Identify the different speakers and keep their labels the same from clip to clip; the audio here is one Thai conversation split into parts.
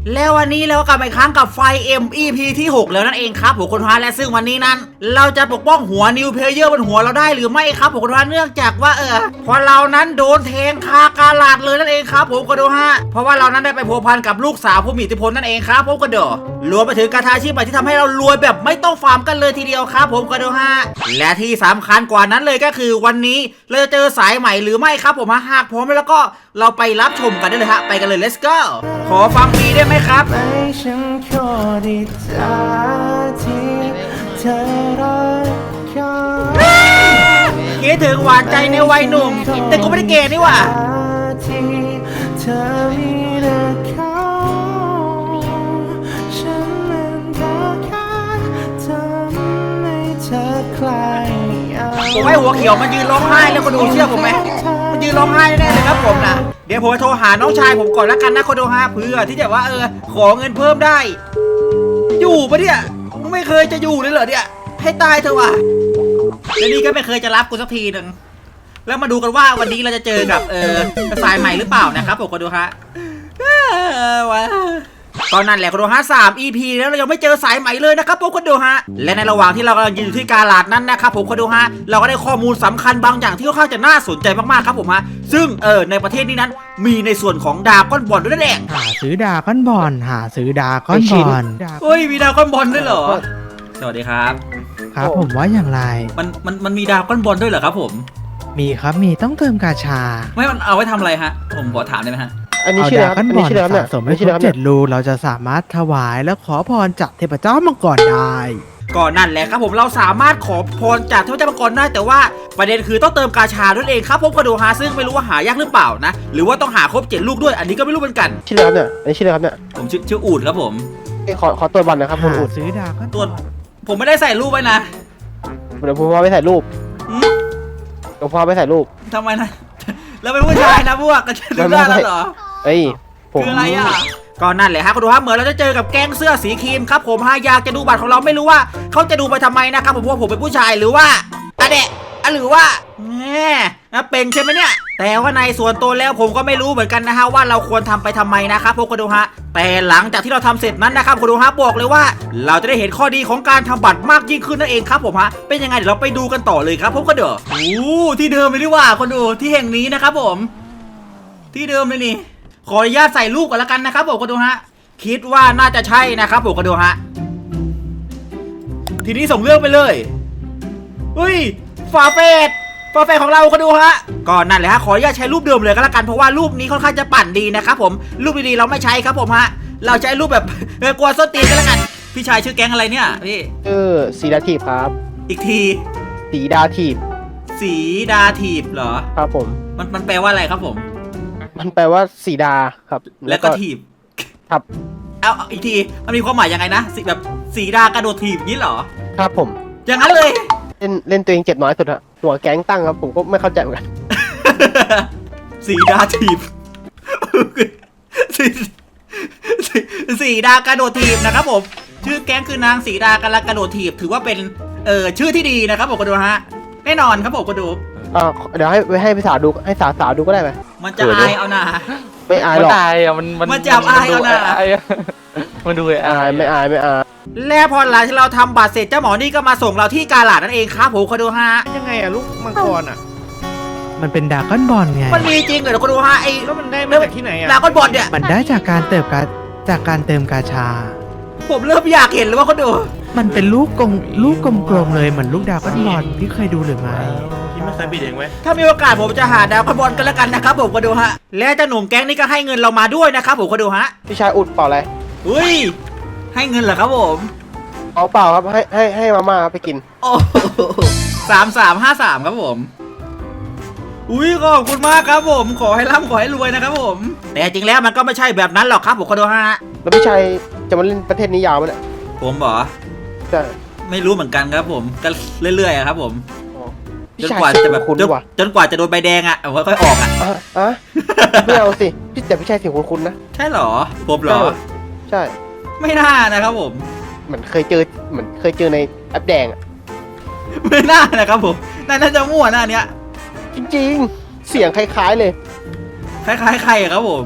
Speaker 1: แล้ววันนี้เรากลับมาอีกครั้งกับไฟ MEP ที่ 6 แล้วนั่นเองครับผมคนพาและซึ่งวันนี้นั้นเราจะปกป้องหัวนิวเพลเยอร์บนหัวเราได้หรือไม่ครับผมคนพาเนื่องจากว่าพอเรานั้นโดนแทงคากาลาดเลยนั่นเองครับผมก็ดูฮะเพราะว่าเรานั้นได้ไปพัวพันกับลูกสาวผู้มีอิทธิพลนั่นเองครับผมก็ดูรวมไปถึงการทาชีพใหม่ที่ทำให้เรารวยแบบไม่ต้องฟาร์มกันเลยทีเดียวครับผมก็ดูฮะและที่สำคัญกว่านั้นเลยก็คือวันนี้เราจะเจอสายใหม่หรือไม่ครับผมหากพร้อมแล้วก็เราไปรับชมกันได้เลยฮะไปกันเลย let's go ขอฟังฟรีได้ไหมครับ
Speaker 2: ฉันขอดีใจที่เธอรักเขา
Speaker 1: คิดถึงหวานใจในวัยหนุ่มแต่กูไม่ได้เกย์นี่หว่า
Speaker 2: ที่เธอมีแต่เขาฉันมันก็แค่ทำให้เธอคลาย
Speaker 1: ผมให้หัวเขียวมันยืนร้องไห้แล้วคนดูเชื่อผมไหมมันยืนร้องไห้แน่เลยครับผมนะเดี๋ยวผมจะโทรหาน้องชายผมก่อนแล้วกันนะคนดูฮะเพื่อที่จะว่าขอเงินเพิ่มได้อยู่ปะเนี่ยไม่เคยจะอยู่เลยเหรอเนี่ยให้ตายเถอะว่ะแล้วนี่ก็ไม่เคยจะรับกูสักทีหนึ่งแล้วมาดูกันว่าวันนี้เราจะเจอกับสายใหม่หรือเปล่านะครับผมคนดูฮะตอนนั้นแหละคนดูฮะ3 EP แล้วเรายังไม่เจอสายใหม่เลยนะครับผมคนดูฮะและในระหว่างที่เรากำลังยืนอยู่ที่กาลาดนั้นนะครับผมคนดูฮะเราก็ได้ข้อมูลสำคัญบางอย่างที่ค่อนข้างจะน่าสนใจมากๆครับผมฮะซึ่งในประเทศนี้นั้นมีในส่วนของดาก้อนบอลด้วยนั่นเอง
Speaker 3: หาซื้อดาก้อนบอลหาซื้อดาก้อนบอล
Speaker 1: เฮ้ยมีดาก้อนบอลด้วยเหรอสวัสดีครับ
Speaker 3: ครับผมว่าอย่างไร
Speaker 1: มันมีดาก้อนบอลด้วยเหรอครับผม
Speaker 3: มีครับมีต้องเติมกาชา
Speaker 1: ไม่มันเอาไว้ทำอะไรฮะผมขอถามได้ไหมฮะ
Speaker 2: อันนี้ชื่ออะไรครับอันนี้ชื่ออะไร
Speaker 3: สะสมให้ครบ7 รูเราจะสามารถถวายและขอพรจากเทพเจ้ามังกรได้
Speaker 1: ก่อนนั่นแหละครับผมเราสามารถขอพรจากเทพเจ้ามังกรได้แต่ว่าประเด็นคือต้องเติมกาชาด้วยเองครับผมก็ดูฮะซึ่งไม่รู้ว่าหายากหรือเปล่านะหรือว่าต้องหาครบ7 ลูกด้วยอันนี้ก็ไม่รู้เหมือนกัน
Speaker 2: ชื่ออะไรเนี่ยอันนี้ชื่ออะไรครับเนี่ย
Speaker 1: ผมชื่ออูดครับผม
Speaker 2: ขอตัวบอลนะครับคุณอูด
Speaker 3: ซื้อดาก้อน
Speaker 1: ตัวผมไม่ได้ใส่รูปไว้นะ
Speaker 2: เดี๋ยวผมพาไปใส่รูปเดี๋ยวพาไปใส่รูป
Speaker 1: ทำไมนะแล้วเป็นผู้ชายนะพวกกันจะได้แล้วเหรอ
Speaker 2: เอ้ย
Speaker 1: คืออะไรอ่ะก่อนนั่นแหละฮะคุณดูฮะเหมือนเราจะเจอกับแก๊งเสื้อสีครีมครับผมฮะอยากจะดูบัตรของเราไม่รู้ว่าเขาจะดูไปทำไมนะครับผมว่าผมเป็นผู้ชายหรือว่าหรือว่าแง่เป็นใช่ไหมเนี่ยแต่ว่าในส่วนตัวแล้วผมก็ไม่รู้เหมือนกันนะฮะว่าเราควรทำไปทำไมนะครับพวกคุณดูฮะแต่หลังจากที่เราทำเสร็จนั้นนะครับคุณดูฮะบอกเลยว่าเราจะได้เห็นข้อดีของการทำบัตรมากยิ่งขึ้นนั่นเองครับผมฮะเป็นยังไงเดี๋ยวเราไปดูกันต่อเลยครับพวกคุณดูที่เดิมเลยดีกว่าคนดูที่แห่งนี้นะครับผมที่เดิมเลยนี่ขออนุญาตใส่รูปก่อนละกันนะครับผมก็ดูฮะคิดว่าน่าจะใช่นะครับผมก็ดูฮะทีนี้ส่งเรื่องไปเลยเฮ้ยฝาเฟดของเราก็ดูฮะก่อนนั่นเลยฮะขออนุญาตใช้รูปเดิมเลยก็แล้วกันเพราะว่ารูปนี้ค่อนข้างจะปั่นดีนะครับผมรูปดีๆเราไม่ใช้ครับผมฮะเราใช้รูปแบบกลัวส้นตีนกันแล้วกันพี่ชายชื่อแก๊งอะไรเนี่ยพี่
Speaker 2: สีดาทีบครับ
Speaker 1: อีกที
Speaker 2: สีดาทีบ
Speaker 1: เหรอ
Speaker 2: ครับผม
Speaker 1: มันแปลว่าอะไรครับผม
Speaker 2: มันแปลว่าสีดาครับ
Speaker 1: แล้วก็ถีบ
Speaker 2: ครับ
Speaker 1: เอาอีกทีมันมีความหมายยังไงนะแบบสีดากระโดดถีบนี้เหรอ
Speaker 2: ครับผม
Speaker 1: อย่างนั้นเลย
Speaker 2: เล่นตัวเองเจ็บน้อยสุดฮะตัวแก๊งตั้งครับผมก็ไม่เข้าใจเหมือนกัน
Speaker 1: สีดาถีบสีดากระโดดถีบนะครับผมชื่อแก๊งคือนางสีดากระโดดถีบถือว่าเป็นชื่อที่ดีนะครับผมก็ดูฮะแน่นอนครับผมก็ดู
Speaker 2: เดี๋ยวให้พี่สาวดูให้สาวดูก็ได้ไหม
Speaker 1: มันจะอายเอาหน่า
Speaker 2: ไม่อายหรอก
Speaker 1: มันจะอายเอาหน่า
Speaker 2: มันดูอายไม่อาย
Speaker 1: แล้วพอหลังที่เราทำบัตรเสร็จเจ้าหมอนี่ก็มาส่งเราที่กาลาดนั่นเองครับผมก็ดูฮะ
Speaker 2: ยังไงอะลูกมังกรอะ
Speaker 3: มันเป็นดาก้อนบอลไง
Speaker 1: มันมีจริงเหรอก็ดูฮะ
Speaker 2: แล้วมันได้มาจากที่ไหนอะ
Speaker 1: ดาก้อนบอลเนี่ย
Speaker 3: มันได้จากการเติมกาชา
Speaker 1: ผมเริ่มอยากเห็นเลยว่าเขาดู
Speaker 3: มันเป็นลูกกลมๆเลยเหมือนลูกดาก้อนบอลพี่เคยดูหรือไม่
Speaker 2: พี่ไม่เคยบิดเองไหม
Speaker 1: ถ้ามีโอกาสผมจะหาดาวก้อนบอลกันแล้วกันนะครับผมก็ดูฮะและเจ้าหนุ่มแก๊งนี่ก็ให้เงินเรามาด้วยนะครับผมก็ดูฮะ
Speaker 2: พี่ชายอุดเปล่าอะไร
Speaker 1: อุ้ยให้เงินเหรอครับผม
Speaker 2: เอาเปล่าครับให้มาม่าไปกิน
Speaker 1: โอ้3353ครับผมอุ้ยขอบคุณมากครับผมขอให้ร่ำขอให้รวยนะครับผมแต่จริงแล้วมันก็ไม่ใช่แบบนั้นหรอกครับผมก็ดูฮะ
Speaker 2: แล้วพี่ชายจะมาเล่นประเทศนี้ยาวไหมเนี่ย
Speaker 1: ผมบอก
Speaker 2: ใช่
Speaker 1: ไม่รู้เหมือนกันครับผมก็เรื่อยๆครับผมจนกว่าจะแบบจนกว่าจะโดนใบแดงอ่ะค่อยออกอ่ะ
Speaker 2: ไม่เอาสิแต่พี่ชายเสียงคุ้นๆนะ
Speaker 1: ใช่หรอผมหรอ
Speaker 2: ใช่
Speaker 1: ไม่น่านะครับผม
Speaker 2: เหมือนเคยเจอในแอปแดงอ่ะ
Speaker 1: ไม่น่านะครับผมน่าจะมั่วหน้าเนี้ย
Speaker 2: จริงๆเสียงคล้ายๆเลย
Speaker 1: คล้ายๆใครครับผม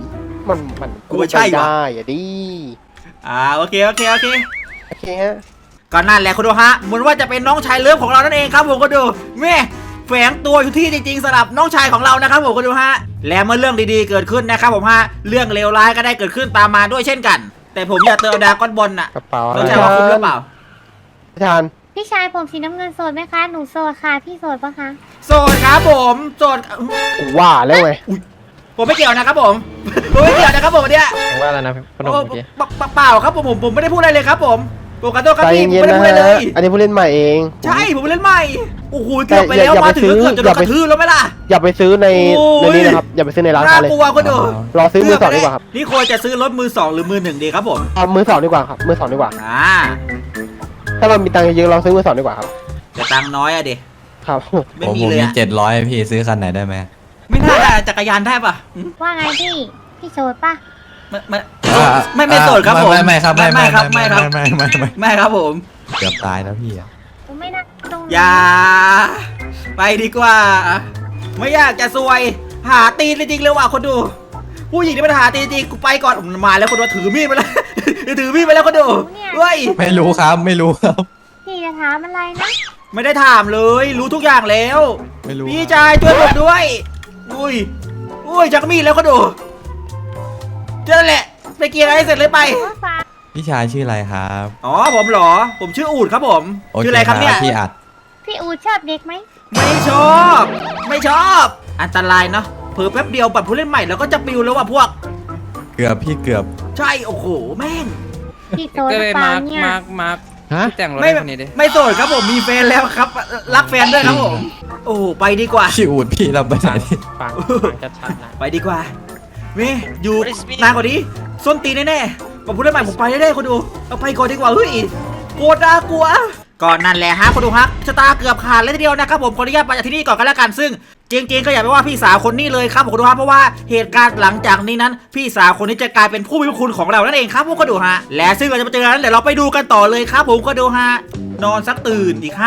Speaker 2: มัน
Speaker 1: กูว่าใช่วะ
Speaker 2: ได้อะดิ
Speaker 1: โอเค
Speaker 2: โอเคฮะ
Speaker 1: ก็นั่นแหละคุณดูฮะเหมือนว่าจะเป็นน้องชายเลิฟของเรานั่นเองครับผมก็ดูแม่แฝงตัวอยู่ที่จริงๆสำหรับน้องชายของเรานะครับผมก็ดูฮะและเมื่อเรื่องดีๆเกิดขึ้นนะครับผมฮะเรื่องเลวร้ายก็ได้เกิดขึ้นตามมาด้วยเช่นกัน แต่ผมอยากเติมดราก้อนบอลน่ะ
Speaker 2: กระเป๋า
Speaker 1: เข้าใจว่าคุ้มหรือเปล่า
Speaker 2: อาจารย์
Speaker 4: พี่ชายผมสีน้ำเงินโสดไหมคะ หนูโสดค่ะ พี่โสดปะคะ
Speaker 1: โสดครับผมโสด
Speaker 2: กูว่าแล้วไง
Speaker 1: ผมไม่เกี่ยวนะครับผมผมไม่เกี่ยวนะครับผมเนี่ย
Speaker 5: ว่าแล้วนะพนม
Speaker 1: โอ้
Speaker 5: เมื่อกี้
Speaker 1: เปล่าครับผมไม่ได้พูดอะไรเลยครับผมปกติครับ
Speaker 2: ใจ
Speaker 1: พี่ผม
Speaker 2: เย็น
Speaker 1: ไม่ได้
Speaker 2: ๆนะ
Speaker 1: พูดอะไรเล
Speaker 2: ฮะ
Speaker 1: ย
Speaker 2: อันนี้ผู้เล่นใหม่เอง
Speaker 1: ใช่ผมเล่นใหม่โอ้โหเกือบไปแล้ว
Speaker 2: อย่า
Speaker 1: มาถึง
Speaker 2: ไปซื้อ
Speaker 1: เกือบจะโดนกระทืบแล้วไหมล่ะ
Speaker 2: อย่าไปซื้อใน
Speaker 1: โอ้ย
Speaker 2: นี้นะครับอย่าไปซื้อในร้าน
Speaker 1: น่า
Speaker 2: ค้าเลย
Speaker 1: กลัวคนดู
Speaker 2: รอซื้อมือสองดีกว่าครับ
Speaker 1: นี่ควรจะซื้อรถมือสองหรือมือหนึ่งดีครับผม
Speaker 2: เอามือสองดีกว่าครับมือสองดีกว่า ถ้าเรามีตังค์เยอะๆเราซื้อมือสองดีกว่าครับ
Speaker 1: แต่ตังค์น้อยอะดิ
Speaker 2: ครับ
Speaker 1: ไม่
Speaker 6: ผม
Speaker 1: มี
Speaker 6: ผม
Speaker 1: เลย
Speaker 6: มี
Speaker 1: อะ
Speaker 6: 700พี่ซื้อคันไหนได้ไหม
Speaker 1: ไม่น่าได้จักรยานได้ปะหืม
Speaker 4: ว่าไงพี่ พี่โสดปะ
Speaker 1: ไม่โสดครับผม
Speaker 6: ไม่ครับ
Speaker 1: ไม่ครับไม่ครับ ไม่ครับผม
Speaker 6: เกือบตายแล้วพี่อะ
Speaker 4: ผมไม่น่าตรงนี้
Speaker 1: อย่าไปดีกว่า ไม่อยากจะซวย หาตีนจริงๆเลยว่ะคนดู ผู้หญิงที่มันหาตีนจริงกูไปก่อนมาแล้วคนดูถือมีดไปแล้ว ถือมีดไปแล้วคนดูเฮ้ย
Speaker 6: ไม่รู้ครับไม่รู้ครับ
Speaker 4: พี่จะถามอะไรนะ
Speaker 1: ไม่ได้ถามเลย รู้ทุกอย่างแล้ว
Speaker 6: ไม่รู้
Speaker 1: พี่ชายช่วยผมด้วยอุ้ยจักมีดแล้วคนดูเจอแหละไปเกียร์อะไรเสร็จเลยไป
Speaker 4: ว่าฟ้า
Speaker 6: พี่ชายชื่ออะไรครับ
Speaker 1: อ๋อผมเหรอ ผมชื่ออูดครับผม
Speaker 6: โอเค
Speaker 1: ชื่ออะไรครับเนี่ย
Speaker 6: พี่อัด
Speaker 4: พี่อูชอบเด็กไหม
Speaker 1: ไม่ชอบ ไม่ชอบ อันตรายเนาะเผลอแป๊บเดียวบัตรผู้เล่นใหม่แล้วก็จะปิวแล้วว่ะพวก
Speaker 6: เกือบพี่เกือบ
Speaker 1: ใช่โอ้โหแม่ง
Speaker 4: พี่โสด
Speaker 5: ก็
Speaker 4: ห
Speaker 5: เล
Speaker 4: รื
Speaker 5: ย
Speaker 4: อเปล่า
Speaker 5: มาร์ก
Speaker 4: เนี่ย
Speaker 5: มาร์ก
Speaker 3: ฮะ
Speaker 5: แต่งรถ
Speaker 1: ไม่
Speaker 5: ให้คนนี้ดิ
Speaker 1: ไม่โสดครับผมมีแฟนแล้วครับ รักแฟนด้วยครับผม โอ้โหไปดีกว่า
Speaker 6: พี่อูดพี่เราไปไหนดิ
Speaker 5: ฟังชัดๆนะ
Speaker 1: ไปดีกว่าเว้ยอยู่นานกว่านี้ส้นตีนแน่ๆบัตรผู้เล่นใหม่ผมไปแน่ๆคนดูเอาไปก่อนดีกว่าเฮ้ยกลัวน่ากลัวก่อนนั่นแหละฮะคนดูฮะชะตาเกือบขาดเลยทีเดียวนะครับผมขออนุญาตไปจากที่นี่ก่อนกันแล้วกันซึ่งจริงๆก็อย่าไปว่าพี่สาวคนนี้เลยครับผมคนดูฮะเพราะว่าเหตุการณ์หลังจากนี้นั้น พี่สาวคนนี้จะกลายเป็นผู้มีพระคุณของเรานั่นเองครับผมก็ดูฮะและซึ่งเราจะมาเจอกันนั้นเดี๋ยวเราไปดูกันต่อเลยครับผมก็ดูฮะนอนสักตื่นอีก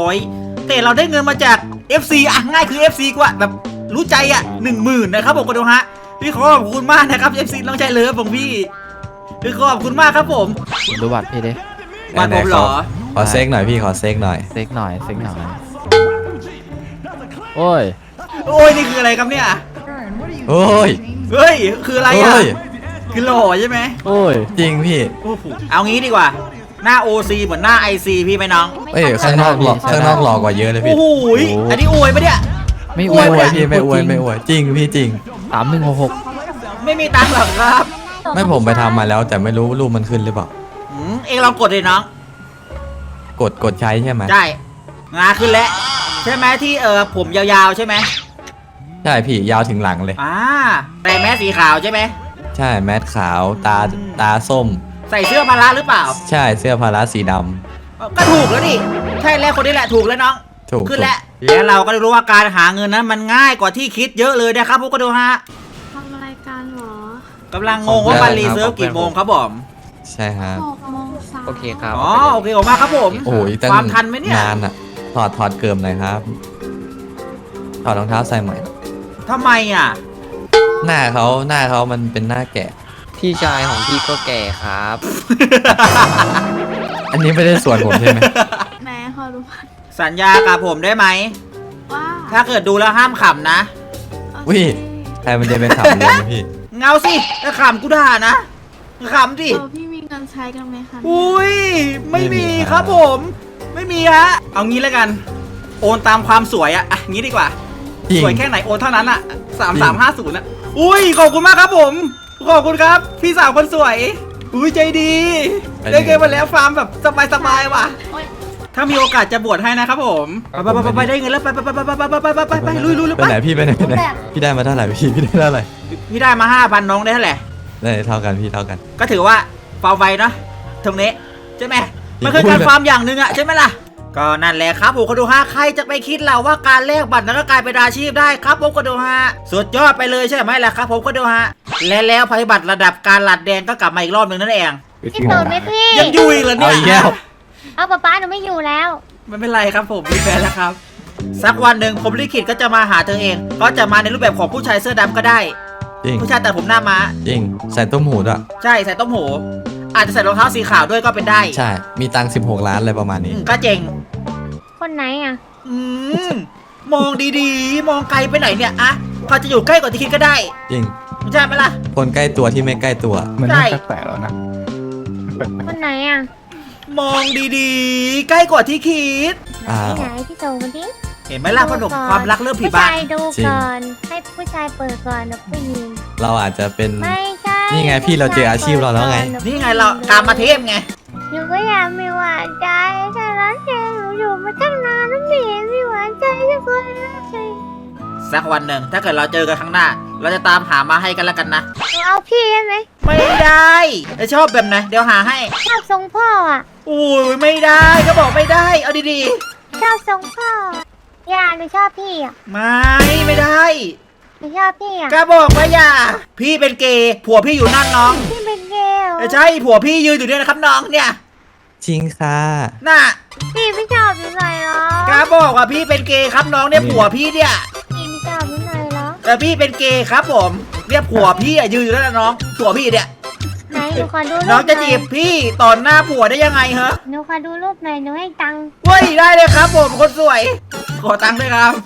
Speaker 1: 500แต่เราได้เงินมาจาก FC อ่ะง่ายคือ FC กว่าแบบรู้ใจอ่ะ10,000นะครับผมก็ดูฮะพี่ขอขอบคุณมากนะครับ FC น้องชายเลิฟของพี่พี่ขอบคุณมากครับผม
Speaker 3: ดูบัตรพี่ดิ
Speaker 1: บ้านผมเหรอ
Speaker 6: ขอเซ็กหน่อยพี่ขอเซ็กหน่อย
Speaker 3: เซ็กหน่อยเซ็กหน่อยโอ้ย
Speaker 1: โอ้ยนี่คืออะไรครับเนี่ย
Speaker 6: โอ้ย
Speaker 1: เฮ้ยคืออะไรอ่ะ
Speaker 6: โอ้ย
Speaker 1: คือหล่อใช่ไหม
Speaker 3: โอ้ย
Speaker 6: จริงพี่
Speaker 1: โอ้โหเอางี้ดีกว่า หน้า OC เหมือนหน้า IC พี่ไหมน้อง
Speaker 6: เอ้ยข้างนอกหล่อข้างนอกหล่อกว่าเยอะเลยพี่
Speaker 1: โอ้โหยอันนี้อวยปะเนี่ย
Speaker 3: ไม่อ
Speaker 6: ไม่
Speaker 3: วย
Speaker 6: อวยพี่ไม่อวยไม่อวยจริงพี่จริง
Speaker 3: 3166
Speaker 1: ไม่มีตังค์หรอกครับ
Speaker 6: ไม่ผมไปทำมาแล้วแต่ไม่รู้รูปมันขึ้นหรือเปล่า
Speaker 1: เองลองกดเลยน้อง
Speaker 6: กดใช้ใช่ไหม
Speaker 1: ใช่งาขึ้นแล้วใช่ไหมที่ผมยาวๆใช่ไหม
Speaker 6: ใช่พี่ยาวถึงหลังเลย
Speaker 1: แต่แมสสีขาวใช่ไหม
Speaker 6: ใช่แมสขาวตาส้ม
Speaker 1: ใส่เสื้อพละหรือเปล่า
Speaker 6: ใช่เสื้อพาราสีดำ
Speaker 1: ก็ถูกแล้วดิใช่แล้วคนนี้แหละถูกแล้วน้อง
Speaker 6: ถูก
Speaker 1: ขึ้นแล้วแล้วเราก็ได้รู้ว่าการหาเงินนั้นมันง่ายกว่าที่คิดเยอะเลยนะครับพวกก็ดูฮะ
Speaker 7: ทำอะไรกันหรอก
Speaker 1: ำลังงงว่ามันรีเซิร์ฟกี่โมงครับผม
Speaker 6: ใช่ฮะ
Speaker 7: 6:03
Speaker 5: โอเคครับ
Speaker 1: อ๋อโอเคผมมากครับผม
Speaker 6: โอ้ยตั้ง
Speaker 1: ความทันไหมเนี่ย
Speaker 6: นานอะถอดเกิมหน่อยครับถอดรองเท้าใส่ใหม่
Speaker 1: ทำไมอ่ะ
Speaker 6: หน้าเขามันเป็นหน้าแก่
Speaker 5: พี่ชายของพี่ก็แก่ครับ
Speaker 6: อันนี้ไม่ได้ส่วนผมใช่ไหม
Speaker 7: แม่ขอรู้ว่า
Speaker 1: สัญญากับผมได้ไหม ถ้าเกิดดูแล้วห้ามขำนะ
Speaker 6: วิ ใครมันจะไปขับเลยนะพี่
Speaker 1: เงาสิถ้าขำกูด่านะขำสิ
Speaker 7: พี่มีเงินใช้กันไหมคะ
Speaker 1: อุ้ยไม่มี
Speaker 6: ไม่มี
Speaker 1: ค
Speaker 6: ครั
Speaker 1: รับบ ผม ไม่มีฮะเอางี้แล้วกัน โอนตามความสวยอะงี้ดีกว่า
Speaker 6: จริง
Speaker 1: สวยแค่ไหนโอนเท่านั้นอะ3350นะอุ้ยขอบคุณมากครับผมขอบคุณครับ พี่สาวคนสวยอุ้ยใจดีได้เกมมาแล้วฟาร์มแบบสบายๆว่ะ
Speaker 7: โอ๊ย
Speaker 1: ถ้ามีโอกาสจะบวชให้นะครับผมไปได้เงินแล้วไปลุย
Speaker 6: ไปไหนพี่ไปไหนพี่ได้มาเท่าไหร่พี่ได้เท่าไหร่
Speaker 1: พี่ได้มา 5,000น้องได้เท่าไหร่
Speaker 6: ได้เท่ากันพี่เท่ากัน
Speaker 1: ก็ถือว่าฟาร์มไวเนาะตรงนี้ใช่ไหมมันคือการฟาร์มอย่างหนึ่งอะใช่ไหมล่ะก็นั่นแหละครับผมคนดูฮะใครจะไปคิดเราว่าการแลกบัตรนั้นก็กลายเป็นอาชีพได้ครับผมคนดูฮะสุดยอดไปเลยใช่ไหมล่ะครับผมคนดูฮะและแล้วภัยบัตรระดับการหลัดแดงก็กลับมาอีกรอบหนึ่งนั่นเอง
Speaker 4: พี่โสดไหมพี่
Speaker 1: ยังอยู่อีกเหรอเนี่
Speaker 6: เอาอีกแล้
Speaker 1: ยว
Speaker 4: เอาป๊าหนูไม่อยู่แล้ว
Speaker 1: ไม่เป็นไรครับผมมีแฟนแล้วครับสักวันหนึ่งผมลิขิตก็จะมาหาเธอเองก็จะมาในรูปแบบของผู้ชายเสื้อดำก็ได้
Speaker 6: จริง
Speaker 1: ผู้ชายแต่ผมหน้าม้า
Speaker 6: จริงใส่ต้มหูด้วย
Speaker 1: ใช่ใส่ต้มหูอาจจะใส่รองเท้าสีขาวด้วยก็เป็นได้
Speaker 6: ใช่ มีตังค์16 ล้านอะไรประมาณนี้
Speaker 1: ก็เจ๋ง
Speaker 4: คนไหนอ่ะ
Speaker 1: อืมมองดีๆ มองไกลไปไหนเนี่ยอะเขาจะอยู่ใกล้กว่าที่คิดก็ได้
Speaker 6: จริง
Speaker 1: ไม่ใช่ไหมล่ะ
Speaker 6: คนใกล้ตัวที่ไม่ใกล้ตัว
Speaker 2: มัน
Speaker 1: ใช่
Speaker 2: น่าแปลกๆแล้วนะ
Speaker 4: คนไหนอ่ะ
Speaker 1: มองดีๆ ใกล้กว่าที่คิด
Speaker 6: อ่า
Speaker 4: ที่ไหนพี่โจมาดิ
Speaker 1: เห็นไหมล่ะพ่อหนุ่มความรักเริ่มผี
Speaker 4: ผู้
Speaker 1: บ้า
Speaker 4: ชายดู
Speaker 6: จริง
Speaker 4: ก่อนให้ผู้ชายเปิดก่อนนะผู้หญิง
Speaker 6: เราอาจจะเป็น
Speaker 4: ไม่ใช่
Speaker 6: นี่ไงพี่เราเจออาชีพเราแล้วไง
Speaker 1: นี่ไงเรากามาเทพไง
Speaker 4: หนูก็อยากมีหวานใจแต่ร้านแกหนูอยู่มาตั้งนานแล้วไม่เห็นมีหวานใจสักคนเลย
Speaker 1: สักวันหนึ่งถ้าเกิดเราเจอกันข้างหน้า เราจะตามหามาให้กันแล้วกันนะ
Speaker 4: หนูเอาพี่ได้ไหม
Speaker 1: ไม่ได้จะชอบแบบไหนเดี๋ยวหาให้
Speaker 4: ชอบทรงพ่ออ่ะ
Speaker 1: อุ้ยไม่ได้ก็บอกไม่ได้ เอาดี
Speaker 4: ชอบทรงพ่ออย่าหนูชอบพี่อ่ะ
Speaker 1: ๆ ไม่ได้
Speaker 4: หนูชอบพี่อ่ะ
Speaker 1: ก็บอกว่าอย่า พี่เป็นเกย์ผัวพี่อยู่นั่นน้อง
Speaker 4: พี่เป็นเกล
Speaker 1: ใช่ผัวพี่ยืนอยู่เนี่ยนะครับน้องเนี่ย
Speaker 6: จริงค่ะ
Speaker 1: น่ะ
Speaker 4: พี่ไม่ชอบหนูหน่อยเหรอ
Speaker 1: ก็บอกว่าพี่เป็นเกย์ครับน้องเนี่ยผัวพี่เนี่ย
Speaker 4: พี่ไม่ชอบหนูหน่อยเหรอ
Speaker 1: พี่เป็นเกย์ครับผมเนี่ยผัวพี่ยืนอยู่นั่นนะน้องผัวพี่เนี่ย
Speaker 4: ไหนหนูขอดูรูป
Speaker 1: น้องจะ
Speaker 4: ห
Speaker 1: จี
Speaker 4: น่อย
Speaker 1: บพี่ตอนหน้าผัวได้ยังไงเหรอ
Speaker 4: หนูขอดูรูปหน่อยหนูให้ตังค์
Speaker 1: เว้ยได้เลยครับผมคนสวย ขอตังค์ด้วยครับ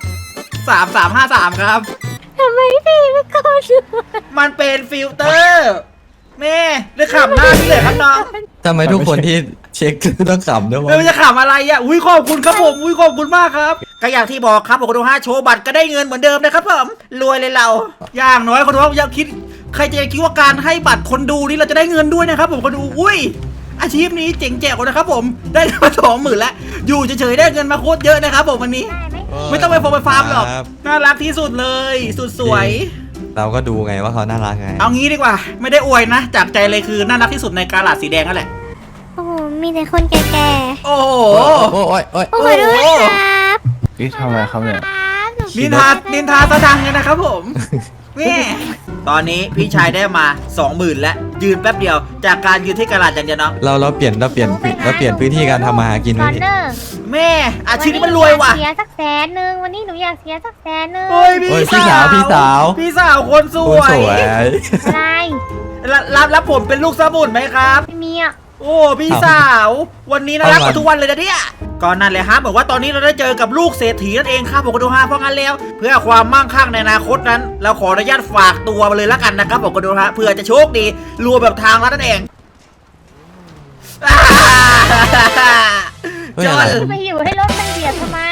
Speaker 1: 3353ครับ
Speaker 4: ทำไมพี่ไม่กดดู
Speaker 1: มันเป็นฟิลเตอร์แม่ได้ขำหน้าพี่เลยครับน้อง
Speaker 6: ทำไมทุกคนที่เช็คต้องขำด้วยวะ
Speaker 1: ไม่ว่าจะขำอะไรอ่ะอุ้ยขอบคุณครับผมอุ้ยขอบคุณมากครับก็อย่างที่บอกครับผมคนดู5โชว์บัตรก็ได้เงินเหมือนเดิมนะครับผมรวยเลยเรา อย่างน้อยคนดูอย่าคิดใครจะคิดว่าการให้บัตรคนดูนี่เราจะได้เงินด้วยนะครับผมคนดูอุ้ยอาชีพนี้เจ๋งแจ๋วนะครับผมได้มา20,000แล้วอยู่เฉยๆได้เงินมาโคตรเยอะนะครับผมวันนี้
Speaker 4: ได้ไหม
Speaker 1: ไม่ต้องไปโฟมไปฟาร์มหรอก
Speaker 6: ครับ
Speaker 1: น่ารักที่สุดเลยสุดสวย
Speaker 6: เราก็ดูไงว่าเขาน่ารักไง
Speaker 1: เอางี้ดีกว่า ไม่ได้อวยนะ จากใจเลยคือน่ารักที่สุดในกาลาดสีแดงนั่นแหละ
Speaker 4: โอ้โหมีแต่คนแก่
Speaker 1: โอ้โห
Speaker 6: โอ้ยโอ้ย
Speaker 4: ๆโอ้โหด้วยครับ
Speaker 2: นี่ทำอะไรครับเนี่ย
Speaker 4: ครับหนู
Speaker 1: นินทาสะดังเลยนะครับผมนี่ตอนนี้พี่ชายได้มา 20,000แล้วยืนแป๊บเดียวจากการยืนที่กาลาดอย่างเดียวน้อง
Speaker 6: เราเปลี่ยนพื้นที่การทำมาหากิน
Speaker 4: ค
Speaker 6: ไว้
Speaker 4: อน
Speaker 6: ดิ
Speaker 4: เนอร์
Speaker 1: แม่อาชีพนี้มันรวยว่ะ
Speaker 4: เสียสัก100,000วันนี้หนูอยากเสียสัก100,000
Speaker 1: โอ้ย
Speaker 6: โอ้ย
Speaker 1: พี่สาว
Speaker 6: พี่สาว
Speaker 1: พี่สาวคนส
Speaker 6: โอ้
Speaker 1: วย
Speaker 6: สวย
Speaker 4: อะไร
Speaker 1: รับผมเป็นลูกสมุนไหมครับ
Speaker 4: ไม่มีอ่ะ
Speaker 1: โอ้พี่สาว วันนี้น่ารักกว่าทุกวันเลยนะเนี่ยก่อนนั้นเลยฮะบอกว่าตอนนี้เราได้เจอกับลูกเศรษฐีนั่นเองครับผมก็ดูฮะเพราะงั้นแล้ว เพื่อความมั่งคั่งในอนาคตนั้น เราขออนุญาตฝากตัวมาเลยแล้วกันนะครับผมก็ดูฮะเพื่อจะโชคดีรวยแบบทางรัฐนั่นเอง
Speaker 6: เฮ้ยอะไร
Speaker 4: จะไปอยู่ให้รถมันเบียดทำไม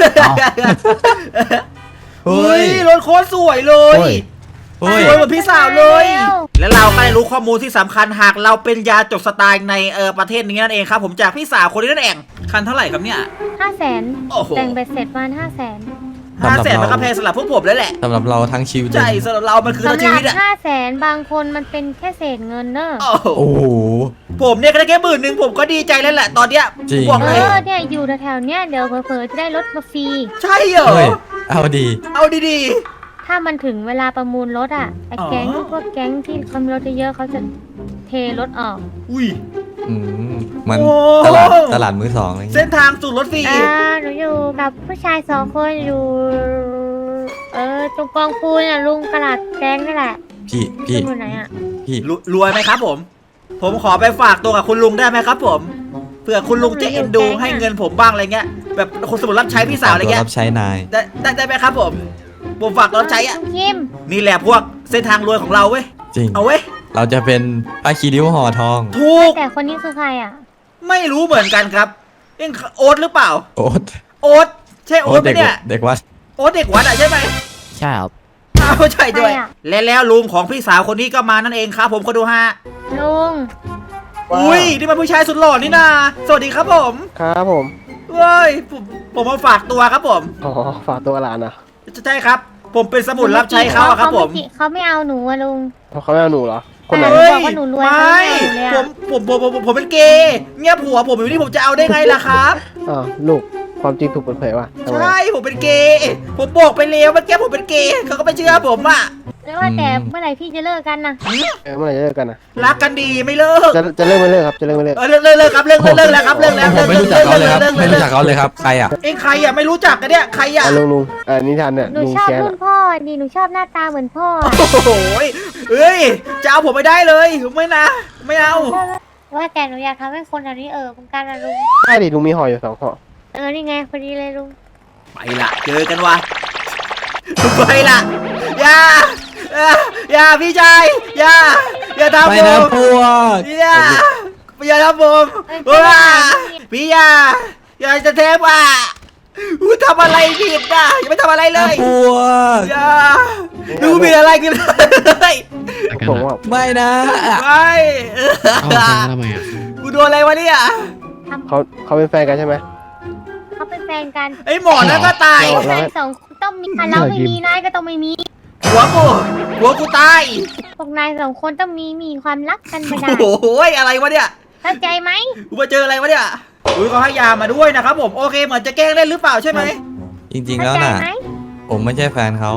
Speaker 6: เฮ้
Speaker 1: เฮ้
Speaker 6: ย
Speaker 1: ยรถโคตรสวยเลย
Speaker 6: เฮ้ย
Speaker 1: สวยเหมือนพี่สาวเลย
Speaker 4: เร็ว
Speaker 1: และเราก็ได้รู้ข้อมูลที่สำคัญหากเราเป็นยาจกสไตล์ในประเทศนี้นั่นเองครับผมจากพี่สาวคนนี้นั่นเองคันเท่าไหร่ครับเนี่ย
Speaker 4: 500,000
Speaker 1: โอ้โห
Speaker 4: แต่งไปเสร็จประมาณ500,000
Speaker 1: 500,000มันก็แพงสำหรับพวกผมแล้วแหละ
Speaker 6: สำหรับเราทั้งชีวิต
Speaker 1: ใช่สำหรับเรามันคือทั้ง
Speaker 4: สำห
Speaker 1: ชี
Speaker 4: รับ
Speaker 1: วิตอะ
Speaker 4: 500,000บางคนมันเป็นแค่เศษเงินเนอะ
Speaker 1: โอ้โห
Speaker 6: โอ้โห
Speaker 1: ผมเนี่ยก็ได้แค่10,000ผมก็ดีใจแล้วแหละตอนเนี้ย
Speaker 6: จริง
Speaker 1: บอก
Speaker 4: เอ
Speaker 1: เลย
Speaker 4: อเนี่ยอยู่แถวๆเนี้ยเดี๋ยวเผลอๆจะได้รถมาฟรี
Speaker 1: ใช่เหรอ
Speaker 6: เฮ้ยเอาดี
Speaker 1: เอาดี
Speaker 4: ถ้ามันถึงเวลาประมูลรถอ่ะไอ้
Speaker 1: อ๋อ
Speaker 4: แก๊งพวกแก๊งที่เขามีรถเยอะๆเขาจะเทรถออก
Speaker 1: ๆอุ้ย
Speaker 6: อืมมัน
Speaker 1: โอ้
Speaker 6: ตลาดมือสองอะไรอย่าง
Speaker 1: เส้
Speaker 6: เงี้
Speaker 1: น
Speaker 6: ย
Speaker 1: ทางสู่รถฟรี
Speaker 4: หนูอยู่กับผู้ชาย2 คนอยู่ ตรงกองปูนอ่ะลุงตลาดแก๊งนี่แหละ
Speaker 6: พี่
Speaker 4: ลุงอยู่ไหนอ่ะ
Speaker 6: พี่
Speaker 1: รวยไหมครับผม ผมขอไปฝากตัวกับคุณลุงได้ไหมครับผมเผื่อคุณลุงจะเอ็นดูให้เงินผมบ้างอะไรเงี้ยแบบคนสมุนรับใช้พี่สาวอะไร
Speaker 6: ตัว
Speaker 1: เงี้ย
Speaker 6: รับใช้นาย
Speaker 1: ได้ไหมครับผมฝากตัวรับใช้อ่ะ
Speaker 4: ลุงคิม
Speaker 1: นี่แหละพวกเส้นทางรวยของเราเว้ย
Speaker 6: จริง
Speaker 1: เอาเว้ย
Speaker 6: เราจะเป็นผ้าคีริ้วห่อทอง
Speaker 1: ถูก
Speaker 4: แต่คนนี้คือใครอ่ะ
Speaker 1: ไม่รู้เหมือนกันครับเอ็งโอ๊ตหรือเปล่า
Speaker 6: โอ๊ต
Speaker 1: โอ๊ตใช่โอ๊ตไหม
Speaker 6: เด็ก
Speaker 1: เนี่ย
Speaker 6: เด็กวัด
Speaker 1: โอ๊ตเด็กวัดอ่ะใช่ไหม
Speaker 5: ใช่ครับ
Speaker 1: อ้าวใช่ด้วย
Speaker 4: ใครอะ
Speaker 1: และแล้วลุงของพี่สาวคนนี้ก็มานั่นเองครับผมก็ดูฮะ
Speaker 4: ลุง
Speaker 1: อุ้ยนี่มันผู้ชายสุดหล่อนี่นาสวัสดีครับผม
Speaker 8: ครับผม
Speaker 1: เว้ยผมมาฝากตัวครับผม
Speaker 8: อ๋อ ฝากตัวหลานนะ
Speaker 1: ใช่ครับ ผมเป็นสมุนรับใช้เขาอะครับผม
Speaker 4: เขาไม่เอาหนูอะลุง
Speaker 8: เขาไม่เอาหนูเหรอ คนไหน
Speaker 4: เฮ้
Speaker 1: เฮ้
Speaker 4: บอกว่าหนูรวย
Speaker 1: ไม่
Speaker 4: เขาไม่เอาเลยอะ
Speaker 1: ผมเป็นเกย์เนี่ยผัวผมอยู่นี่ผมจะเอาได้ไงล่ะครับ
Speaker 8: อ๋อลูก ความจริงถูกเปิดเผยว่ะทำไม
Speaker 1: ใช่ผมเป็นเกย์ผมบอกไปแล้วเมื่อกี้ผมเป็นเกย์เขาก็ไม่เชื่อผมอ่ะ
Speaker 4: แล้วว่าแต่เมื่อไหร่พี่จะเลิกกันนะ
Speaker 8: เมื่อไหร่จะเลิกกันนะ
Speaker 1: รักกันดีไม่เลิก
Speaker 8: จะเลิกไม่เลิกครับจะเลิกไม่เลิก
Speaker 1: เลิกครับเลิกแล้วครับเลิกแล้ว
Speaker 6: ผมไม่รู้จักเขาเลยครับไม่รู้จักเขาเลยครับใครอ่ะ
Speaker 1: เองใครอ่ะไม่รู้จักกันเนี่ยใครอ่ะ
Speaker 8: ลุงนิทานเนี่ย
Speaker 4: หนู
Speaker 8: ลุง
Speaker 4: ชอบ
Speaker 8: แก
Speaker 4: รุ่นพ่อดีหนูชอบหน้าตาเหมือนพ่อ
Speaker 1: โอ้โหเอ้ยจะเอาผมไม่ได้เลยไม่นะไม่เอา
Speaker 4: ว่าแต่หนูอยากทำให้คนแถวนี้เหมือนกันนะลุง
Speaker 8: ใช่ดิลุงมีห่ออยู่2ห่อ
Speaker 4: นี่ไงพอดีเลยลุง
Speaker 1: ไปละเจอกันวะไปละอย่าพี่ชายอย่าทำ
Speaker 6: ไป
Speaker 1: ผ
Speaker 6: นะ
Speaker 1: ม
Speaker 6: พวก
Speaker 1: อย่าทำผมว้าพี่อย่าจะเทปอ่ะทำอะไรผิดอ่ะอย่าไม่ทำอะไรเลย
Speaker 6: พวก
Speaker 1: อย่าดูมีอะไรกันเลย
Speaker 8: ผมว่า
Speaker 6: ไม่นะ
Speaker 1: ไม่
Speaker 5: เอาแทงทำไมอ่ะ
Speaker 1: กูโดนอะไรวะเนี่ย
Speaker 8: เขาเป็นแฟนกันใช่ไหม
Speaker 4: เขาเป็นแฟนกัน
Speaker 1: ไอ้หมอนั่นก็ตาย
Speaker 4: แฟนสองคนต้องมีเราไม่มีนายก็ต้องไม่มี
Speaker 1: หัวกูตาย
Speaker 4: พวกนายสองคนต้องมีความรักกันไม่ได้
Speaker 1: โอ้โหอะไรวะเนี่ย
Speaker 4: เข้าใจไหม
Speaker 1: กูมาเจออะไรวะเนี่ยอุ้ยเขาให้ยามาด้วยนะครับผมโอเคเหมือนจะแกล้งเล่นหรือเปล่าใช่ไหม
Speaker 6: จริงๆ
Speaker 4: เข้า
Speaker 6: แล้ว
Speaker 4: ใจ
Speaker 6: น่ะ
Speaker 4: ไหม
Speaker 6: ผมไม่ใช่แฟนเขา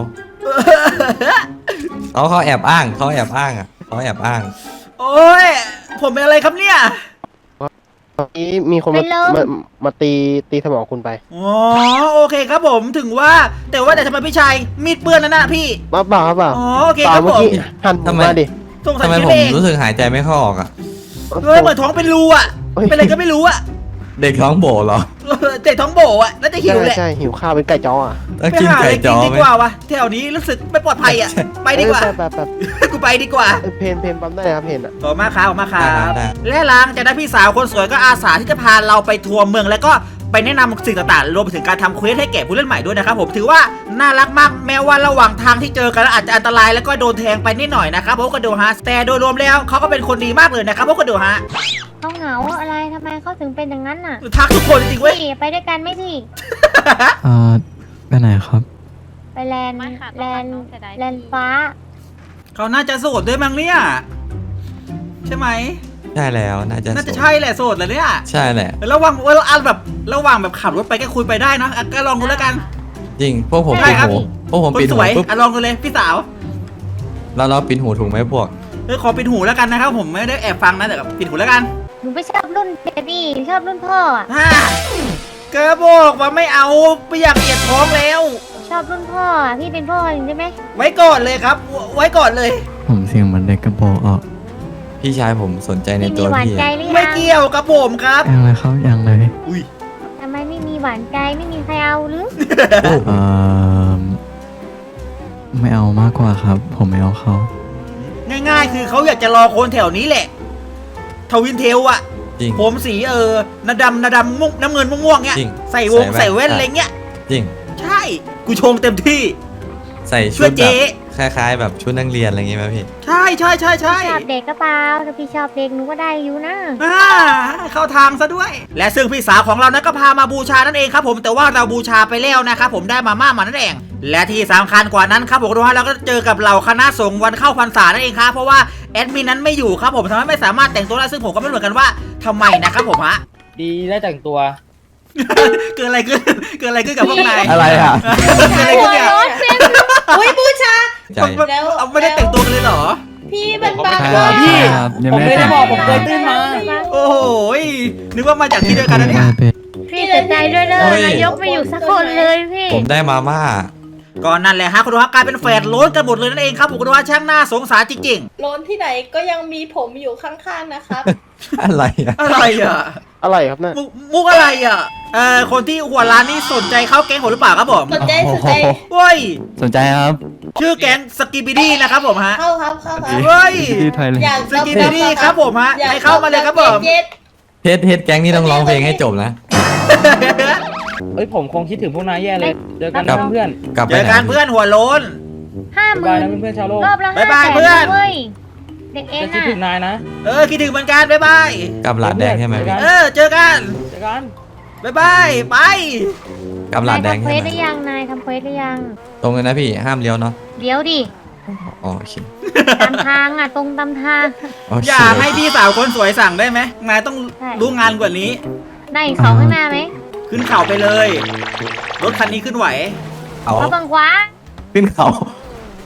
Speaker 6: เขาแอบอ้างอ่ะเขาแอบอ้าง
Speaker 1: โอ้ยผมเป็นอะไรครับเนี่ย
Speaker 8: นี้มีคนมาตีสมองคุณไป
Speaker 1: อ๋อโอเคครับผมถึงว่าแต่ทำไมพี่ชายมีดเปื้อนนั่นน่ะพี่
Speaker 8: เปล่า
Speaker 1: อ๋อโอเค
Speaker 8: เปล่า
Speaker 1: ครับ
Speaker 8: เมื่
Speaker 1: ผ
Speaker 8: อ
Speaker 1: ม
Speaker 8: กี้หันผมมาดิ
Speaker 1: สงสัย
Speaker 6: ทำไม
Speaker 1: คิด
Speaker 6: ผม
Speaker 1: เอง
Speaker 6: รู้สึกหายใจไม่เข้าออกอ่ะ
Speaker 1: เฮ้ยเหมือนท้องเป็นรูอ่ะเป็นอะไรก็ไม่รู้อ่ะ
Speaker 6: เด็กท้องโบเหรอ
Speaker 1: เด็กท้องโบอ่ะน่าจะหิวแหละ
Speaker 8: ใช่หิวข้าวเป็นไก่จ้ออ่ะ
Speaker 6: ต้อง
Speaker 1: ไป
Speaker 6: กิน
Speaker 1: หาอะ
Speaker 6: ไก่
Speaker 1: ไร
Speaker 6: จ
Speaker 1: กิน
Speaker 6: อ
Speaker 1: ดี
Speaker 6: ไหม
Speaker 1: กว่าวะแถวนี้รู้สึกไม่ปลอดภัยอ่ะไปดีกว่า
Speaker 8: แบบ
Speaker 1: กูไปดีกว่า
Speaker 8: เพนปั๊มได้ครับเพนอ่ะ
Speaker 1: ขอบคุณมากครับและหลังจากนั้นพี่สาวคนสวยก็อาสาที่จะพาเราไปทัวร์เมืองแล้วก็ไปแนะนำสิ่งต่างๆรวมไปถึงการทำเควสให้แก่ผู้เล่นใหม่ด้วยนะครับผมถือว่าน่ารักมากแม้ว่าระหว่างทางที่เจอกันแล้วอาจจะอันตรายแล้วก็โดนแทงไปนิดหน่อยนะครับเพราะกระโดฮะแต่โดยรวมแล้วเขาก็เป็นคนดีมากเลยนะครับเพราะกระโดฮะ
Speaker 4: เขาเหงาอะไรทำไมเขาถึงเป็นอย่างนั้นน่ะ
Speaker 1: ทักทุกคนจริงๆเว้ย
Speaker 4: พี่ไปด้วยกันไหมพี่
Speaker 5: ไปไหนครับ
Speaker 4: ไปแลนด์ฟ้า
Speaker 1: เขาน่าจะโสดด้วยมั้งเนี่ยใช่ไหม
Speaker 6: ใช่แล้วน่าจะ
Speaker 1: น่าจะใช่แหละโสดแหละเนี่ย
Speaker 6: ใช่แหละ
Speaker 1: ระหว่างแบบขับรถไปก็คุยไปได้นะอ่ะก็ลองดูแล้วกัน
Speaker 6: จริงพวกผม
Speaker 1: ใช่
Speaker 6: ปิด
Speaker 1: ครับ
Speaker 6: หูพวกผม
Speaker 1: คน
Speaker 6: ปิด
Speaker 1: ส
Speaker 6: หู
Speaker 1: วย
Speaker 6: ปุ๊บ
Speaker 1: อ่ะลองดูเลยพี่สาว
Speaker 6: แล้วเราปิดหูถูกไหมพวก
Speaker 1: ขอปิดหูแล้วกันนะครับผมไม่ได้แอบฟังนะแต่ปิดหูแล้วกัน
Speaker 4: หนูไม่ชอบรุ่นเบบี้ชอบรุ่นพ่ออะ
Speaker 1: เกระบอกว่าไม่เอาไม่อยากเกลียดท้องแล้ว
Speaker 4: ชอบรุ่นพ่ออะพี่เป็นพ่อจริงใช่ไหม
Speaker 1: ไว้ก่อนเลยครับ ไว้ก่อนเลย
Speaker 5: ผมเสียงเหมือนเด็กกระโปรงออก
Speaker 6: พี่ชายผมสนใจใน
Speaker 4: พี่
Speaker 6: ตั
Speaker 4: มี
Speaker 6: ว
Speaker 4: หวาน
Speaker 6: พี่
Speaker 4: ใจ
Speaker 6: อะ
Speaker 4: หรือ
Speaker 1: ไม่
Speaker 4: ยัง
Speaker 1: เกี่ยวกับผมครับ
Speaker 5: ยังเลยครับยังเลย
Speaker 1: อุ้ย
Speaker 4: ทำไมไม่มีหวานใจไม่มีใครเอาหรือ
Speaker 5: เอ่อไม่เอามากกว่าครับ ผมไม่เอาเขา
Speaker 1: ง่ายๆ คือเขาอยากจะรอคนแถวนี้แหละ ทวินเทลอะ
Speaker 6: จริง
Speaker 1: ผมสีนาดำมุกน้ำเงินม่วงๆเงี้ย
Speaker 6: จริง
Speaker 1: ใส่วง
Speaker 6: ใส่
Speaker 1: ใส่
Speaker 6: แว่
Speaker 1: แว่น
Speaker 6: น
Speaker 1: อะไรเงี้ย
Speaker 6: จริง
Speaker 1: ใช่ กูชงเต็มที่
Speaker 6: ใส่
Speaker 1: ช่
Speaker 6: ชุ
Speaker 1: วย
Speaker 6: ด
Speaker 1: เจ๊
Speaker 6: แบบคล้ายๆ แบบชุดนักเรียนอะไรอย่างงี้ไหมพี่
Speaker 1: ใช่ใช่ใช่ใช่
Speaker 4: ชอบเด็กก็เปล่าถ้าพี่ชอบเด็กหนูก็ได้อยู่นะ
Speaker 1: เข้าทางซะด้วย และซึ่งพี่สาวของเรานั้นก็พามาบูชานั่นเองครับผมแต่ว่าเราบูชาไปแล้วนะครับผมได้มาม่ามานั่นเองและที่สำคัญกว่านั้นครับผมทุกท่านเราก็เจอกับเหล่าคณะสงฆ์วันเข้าพรรษานั่นเองครับเพราะว่าแอดมินนั้นไม่อยู่ครับผมทำให้ไม่สามารถแต่งตัวได้ซึ่งผมก็ไม่รู้เหมือนกันว่าทำไมนะครับผมฮะ
Speaker 9: ดีได้แต่งตัว
Speaker 1: เกิดอะไรขึ้นกับพวกนาย
Speaker 6: อะไรอ่ะ
Speaker 1: เกิดอะไรขึ้นเนี่ย
Speaker 7: อุ้ยบูชา
Speaker 6: ใจ
Speaker 1: เอาไม่ได้แต่งตัวกันเลยเหรอ
Speaker 7: พี่มันบาง
Speaker 5: ครับ
Speaker 7: พี่
Speaker 5: ครับยัง
Speaker 9: ผม
Speaker 5: ไม่
Speaker 9: ไม่
Speaker 5: ได้
Speaker 9: ได้บอกผมเคยตื่นมา
Speaker 1: โอ้โหนึกว่ามาจากที่เดียวกันนะเนี่ย
Speaker 4: พี่เสียใจด้วยเด้อนายกไม่อยู่สักคนเลยพี่
Speaker 6: ผมได้มาม่า
Speaker 1: ก็นั่นแหละฮะคุณดูฮะกลายเป็นแฝดโล้นกันหมดเลยนั่นเองครับผมคุณดูฮะช่างหน้าสงสารจริง
Speaker 7: โลนที่ไหนก็ยังมีผมอยู่ข้างๆนะครับ
Speaker 6: อะไรอ่ะ
Speaker 1: ๆอะไรอ่ะ
Speaker 8: อะไรครับเนี่ย
Speaker 1: มุกอะไรอ่ะคนที่หัวร้านนี่สนใจเข้าแก๊งผมหรือเปล่าครับผม
Speaker 7: สนใจ
Speaker 1: เฮ้ย
Speaker 5: สนใจครับ
Speaker 1: ชื่อแก๊งสกิบิดี้นะครับผมฮะ
Speaker 7: เข้าครับ
Speaker 1: เฮ้ย
Speaker 5: ที่ไทยเลย
Speaker 7: อยาก
Speaker 1: สกิบิดี้ครับผมฮะให้เข้ามาเลยครับผม
Speaker 7: เย็ด
Speaker 6: เฮ็ดแก๊งนี่ต้องร้องเพลงให้จบนะ
Speaker 9: เอ้ยผมคงคิดถึงพวกนายแย่เลย เจอกัน
Speaker 6: ครั
Speaker 9: นะ
Speaker 6: บ
Speaker 9: เพื่อน
Speaker 6: กลับไป
Speaker 1: เจอ
Speaker 6: ไหน
Speaker 1: กันเพื่อนหัวโล้น
Speaker 9: บ๊ายบาย
Speaker 4: 50,000
Speaker 9: นะเพื่อนๆชาวโลก
Speaker 4: รอบละ
Speaker 1: บ๊ายบาย
Speaker 4: 500,000
Speaker 1: เพื่อน
Speaker 4: เว้ยเด็กเอ็น
Speaker 9: จะคิด
Speaker 4: น่ะ
Speaker 9: ถึงนายนะ
Speaker 1: คิดถึงเหมือนกันบ๊ายบาย
Speaker 6: กลับหลาดแดงใช่ไหมพี่
Speaker 1: เจอกัน
Speaker 9: เจอกัน
Speaker 1: บ๊ายบายไป
Speaker 6: กลับหลาดแดง
Speaker 4: ทำเคว
Speaker 6: ใช่
Speaker 4: ส
Speaker 6: ไหม
Speaker 4: ได้ยังนายทำเควสได้ยัง
Speaker 6: ตรงเลยนะพี่ห้ามเลี้ยวเนาะ
Speaker 4: เดี๋ยวดิ
Speaker 6: อ๋อโอเค
Speaker 4: ตามทางอ่ะตรงตามทาง
Speaker 6: โอเค
Speaker 1: อยากให้พี่สาวคนสวยสั่งได้ไหมนายต้อง
Speaker 4: ได้
Speaker 1: รู้งานกว่านี้
Speaker 4: ได้อีก2ข้างหน้าไหม
Speaker 1: ขึ้นเขาไปเลย รถคันนี้ขึ้นไหว
Speaker 6: เอา
Speaker 4: เขาบังขวา
Speaker 6: ขึ้นเขา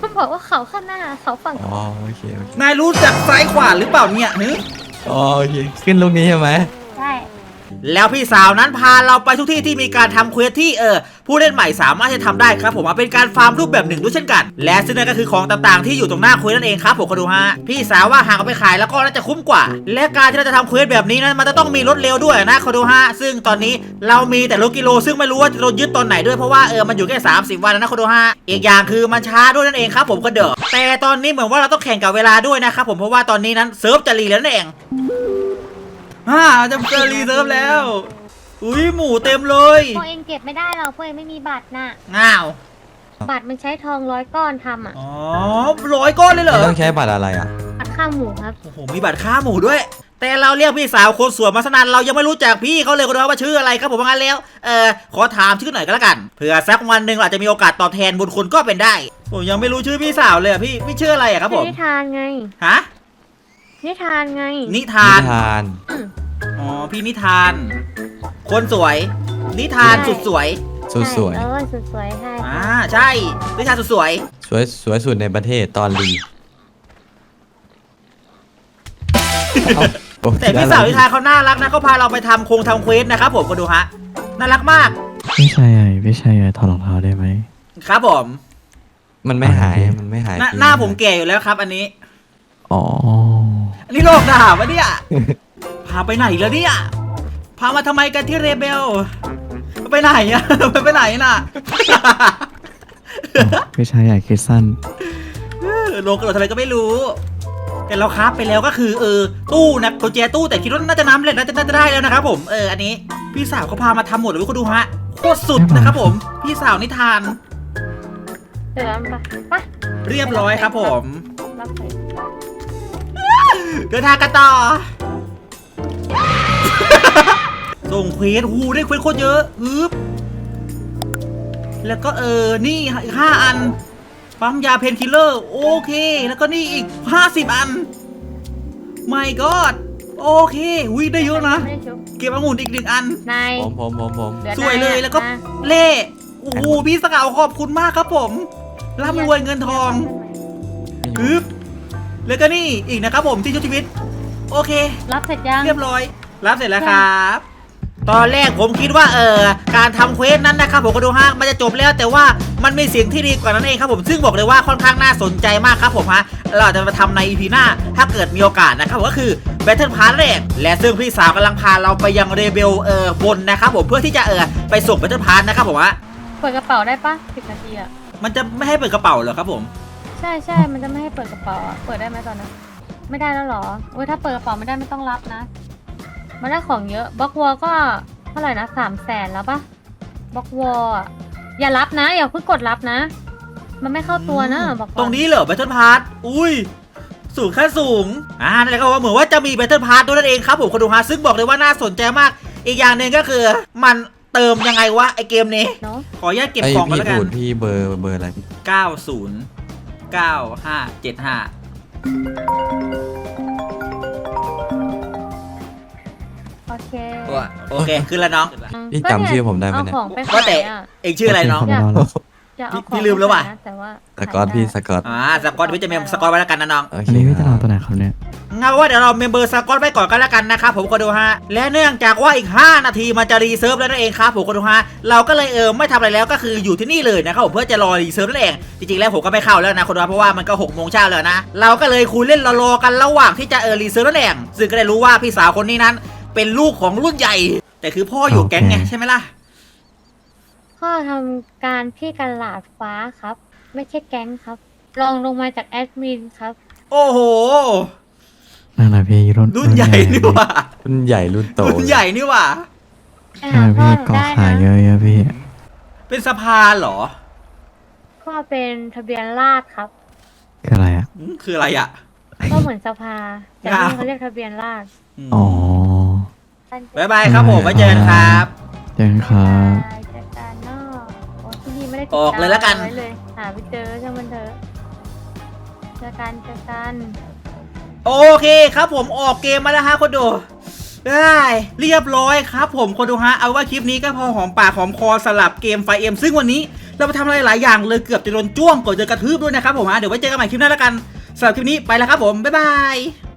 Speaker 4: บอกว่าเขาข้างหน้าเขาฝั่ง
Speaker 6: อ๋อโอเคโอเคน
Speaker 1: ายรู้จักซ้ายขวาหรือเปล่าเนี่ยฮึ
Speaker 6: อ๋อโอเคขึ้นลูกนี้ใช่ไหม
Speaker 4: ใช่
Speaker 1: แล้วพี่สาวนั้นพาเราไปทุกที่ที่มีการทำเควสที่ผู้เล่นใหม่สามารถจะทำได้ครับผมเป็นการฟาร์มรูปแบบหนึ่งด้วยเช่นกัน และซึ่งนั่นก็คือของต่างๆที่อยู่ตรงหน้าเควสนั่นเองครับผมคนดูฮะพี่สาวว่าหากเอาไปขายแล้วก็น่าจะคุ้มกว่า และการที่เราจะทำเควสแบบนี้นั้นมันจะต้องมีรถเร็วด้วยนะคนดูฮะซึ่งตอนนี้เรามีแต่รถกิโลซึ่งไม่รู้ว่าจะโดนยึดตอนไหนด้วยเพราะว่ามันอยู่แค่30 วันนะคนดูฮะอีกอย่างคือมันช้าด้วยนั่นเองครับผมก็เด้อแต่ตอนนี้เหมือนว่าเราต้องแข่งกับเวลาด้วยนะครับผมเพราะว่าตอนนี้นั้นเซิร์ฟจะรีแล้วนั่นเองจะเจอรีเซิร์ฟแล้วอุ้ยหมูเต็มเลย
Speaker 4: พวกเองเก็บไม่ได้หรอกพวกเองไม่มีบัตรน่ะ
Speaker 1: ง้าว
Speaker 4: บัตรมันใช้ทอง100 ก้อนทำอ่ะ
Speaker 1: อ๋อ100 ก้อนเลยเหร
Speaker 6: ไม่
Speaker 1: อ
Speaker 6: ต้องใช้บัตรอะไรอ่ะ
Speaker 4: บัตรข้าวหมูครับ
Speaker 1: โอ้โหมีบัตรค่าหมูด้วย แต่เราเรียกพี่สาวคนสวยมาสนานเรายังไม่รู้จักพี่เขาเลยคนดูว่าชื่ออะไรครับผมว่างั้นแล้วขอถามชื่อหน่อยก็แล้วกันเผื่อสักวันหนึ่งเราอาจจะมีโอกาสตอบแทนบุญคุณก็เป็นได้ผมยังไม่รู้ชื่อพี่สาวเลยอะพี่ชื่ออะไรอะครับผม
Speaker 4: นิทานไง
Speaker 1: ฮะ
Speaker 4: นิทานไง
Speaker 1: นิทาน
Speaker 6: นิทาน
Speaker 1: อ๋อพี่นิทาน คนสวย นิทาน
Speaker 4: ใช่
Speaker 1: สุดสวย
Speaker 6: สุดสวย
Speaker 4: ใช่สุดสวยใช่
Speaker 1: ใช่นิทานสุดสวย
Speaker 6: สวยสุดในประเทศตอนรีเอ้า
Speaker 1: แต่พี่สาวนิทานเขาน่ารักนะเขาพาเราไปทำเควสนะครับผมก็ดูฮะน่ารักมาก
Speaker 5: พี่ชายถอดรองเท้าได้ไหม
Speaker 1: ครับผม
Speaker 6: มันไม่หายมันไม่หาย
Speaker 1: หน้าผมแก่อยู่แล้วครับ อันนี้
Speaker 5: อ๋อ
Speaker 1: อันนี้โลกด่าวะเนี่ย พาไปไหนแล้วเนี่ย พามาทำไมกันที่เรเบล ไปไหนอะ ไปไหนน่ะ
Speaker 5: พี่ชายใหญ่คิดสั้น
Speaker 1: โลกกระโดดทำไมก็ไม่รู้ แต่เราครับไปแล้วก็คือตู้นะกุญแจตู้แต่คิดว่าน่าจะน้ำเล็ดน่าจะได้แล้วนะครับผมอันนี้พี่สาวเขาพามาทำหมดเลยคุณดูฮะโคตรสุดนะครับผม พี่สาวนิทาน
Speaker 4: เดี๋ยวไปไป
Speaker 1: เรียบร้อยครับผม
Speaker 4: รับไป
Speaker 1: เดินทางกันต่อ ส่งเควสได้เควสโคตรเยอะแล้วก็นี่อีก5 อันปั๊มยาเพนคิลเลอร์โอเคแล้วก็นี่อีก50 อัน my god โอเคได้เยอะนะ
Speaker 4: ไม่ได้ชุบ
Speaker 1: เก็บองุ่นอีก1 อัน
Speaker 4: นาย
Speaker 6: ผม
Speaker 4: หลือ
Speaker 1: สวยเลย
Speaker 4: นายอะ
Speaker 1: แล้วก็
Speaker 4: มา
Speaker 1: เล่โอ้โหพี่สกาวขอบคุณมากครับผมร่ำรวยเงินทองแล้วก็นี่อีกนะครับผมที่ชุบชีวิตโอเค
Speaker 4: รับเสร็จยัง
Speaker 1: เรียบร้อยรับเสร็จแล้วครับ ตอนแรกผมคิดว่าการทำเควสนั้นนะครับผมก็ดูฮะมันจะจบแล้วแต่ว่ามันมีสิ่งที่ดีกว่านั้นเองครับผมซึ่งบอกเลยว่าค่อนข้างน่าสนใจมากครับผมฮะเราจะมาทำใน EP หน้าถ้าเกิดมีโอกาสนะครับผมก็คือ Battle Pass นั่นเองและซึ่งพี่สาวกำลังพาเราไปยังเรเบลบนนะครับผมเพื่อที่จะไปส่ง Battle Pass นะครับผมฮะ
Speaker 4: เปิดกระเป๋าได้ปะ10 นาทีอ่ะ
Speaker 1: มันจะไม่ให้เปิดกระเป๋าเหรอครับผม
Speaker 4: ใช่ใช่มันจะไม่ให้เปิดกระเป๋าอ่ะ เปิดได้ไหมตอนนั้น ไม่ได้แล้วเหรอโอ้ยถ้าเปิดกระเป๋าไม่ได้ไม่ต้องรับนะ มันได้ของเยอะบล็อกวอลก็เท่าไหร่นะ300,000แล้วปะบล็อกวอลอ่ะอย่ารับนะอย่าเพิ่งกดรับนะ มันไม่เข้าตัวนะบอกก่อน
Speaker 1: ตรงนี้เหรอ Battle Pass อุ้ยสูงแค่สูงนั่นแหละก็ว่าเหมือนว่าจะมี Battle Pass ด้วยนั่นเองครับผมคนดูฮะซึ่งบอกเลยว่าน่าสนใจมากอีกอย่างหนึ่งก็คือมันเติมยังไงวะไอเกมนี้
Speaker 4: เนาะ
Speaker 1: ขออนุญาตเก็บ
Speaker 6: ไอ
Speaker 1: ของก่อน
Speaker 6: พี่
Speaker 1: แล้วกั
Speaker 6: พู
Speaker 1: น
Speaker 6: ดพี่เบอร์อะไรพี่
Speaker 1: 909575
Speaker 4: โอเค
Speaker 1: โอเคขึ้นแล้วน้อง
Speaker 6: พี่จำชื่อผมได้ไหมเนี่ย
Speaker 4: เอาของไป
Speaker 1: ว่า
Speaker 4: ขา
Speaker 1: แต่
Speaker 4: ยอ่ะ
Speaker 1: เองชื่ออะไรน้อง
Speaker 5: ผมรอแล้ว
Speaker 4: จะเอาของ
Speaker 1: พี่ลืมแล้วว่ะ
Speaker 4: ไปขายนแต่ว่า
Speaker 6: สกอตพี่สกอต
Speaker 1: สกอตพี่จะเมมสกอตไว้แล้วกันนะน้อง
Speaker 6: โอเค
Speaker 5: อันนี้พี่จะ
Speaker 6: ค
Speaker 5: เอา
Speaker 6: รับ
Speaker 5: ตัวไหนครับเนี่ย
Speaker 1: งั้นว่าเดี๋ยวเราเมมเบอร์สกอตไว้ก่อนกันแล้วกันนะครับผมก็ดูฮะและเนื่องจากว่าอีก5 นาทีมันจะรีเซิร์ฟแล้วนั่นเองครับผมก็ดูฮะเราก็เลยไม่ทำอะไรแล้วก็คืออยู่ที่นี่เลยนะครับผมเพื่อจะรอรีเซิร์ฟนั่นเองจริงๆแล้วผมก็ไม่เข้าแล้วนะคนดูเพราะว่ามันก็6 โมงเช้าแล้วนะเราก็เลยคุยเล่นรอๆกันระหว่างที่จะรีเซิร์ฟนั่นเองซึ่งก็ได้รู้ว่าพี่สาวคนนี้นั้นเป็นลูกของรุ่นใหญ่ แต่คือพ่ออยู่แก๊งไงใช่ไหมล่ะ
Speaker 4: พ่อทำการที่กระลาดฟ้าครับ ไม่ใช่แก๊งครับรองลงมาจากแอดมินครับ
Speaker 1: โอ้โห
Speaker 5: นั่นแหละพี่
Speaker 1: รุ่นใหญ่นี่หว่า
Speaker 6: รุ่นใหญ่รุ่นโต
Speaker 1: รุ่นใหญ่นี่หว่า
Speaker 4: ไป
Speaker 5: นั่
Speaker 4: หาน
Speaker 5: แหละ
Speaker 4: พ่อ
Speaker 5: พี่
Speaker 4: หนู
Speaker 5: กอ
Speaker 4: ได้
Speaker 5: ขาย
Speaker 4: นะ
Speaker 5: เยอะๆพี่
Speaker 1: เป็นสะพานเหรอ
Speaker 4: พ่อเป็นทะเบียนราษฎร์ครับ
Speaker 5: คืออะไรอ่ะ
Speaker 1: คืออะไรอ่ะ
Speaker 4: ก็เหมือนสภาแต่นี่เขาเรียกทะเบียนราษฎร์
Speaker 5: อ๋อ
Speaker 1: บ๊ายบายครับผมไว้เจอกันครับ
Speaker 5: เจอกันครับ
Speaker 4: เจอกันเนาะโอ้ที่นี่ไม่ได้ติด
Speaker 1: ออกเลยแล้วกัน
Speaker 4: ไว้เลยหาไปเจอช่างมันเถอะเจอกันเจอกัน
Speaker 1: โอเคครับผมออกเกมมาแล้วฮะคนดูได้เรียบร้อยครับผมคนดูฮะเอาว่าคลิปนี้ก็พอหอมปากหอมคอสลับเกมไฟเอ็มซึ่งวันนี้เราไปทำอะไรหลายอย่างเลยเกือบจะโดนจ้วงก่อนจะกระทืบด้วยนะครับผมเดี๋ยวไว้เจอกันใหม่คลิปหน้าแล้วกันสำหรับคลิปนี้ไปแล้วครับผมบ๊ายบาย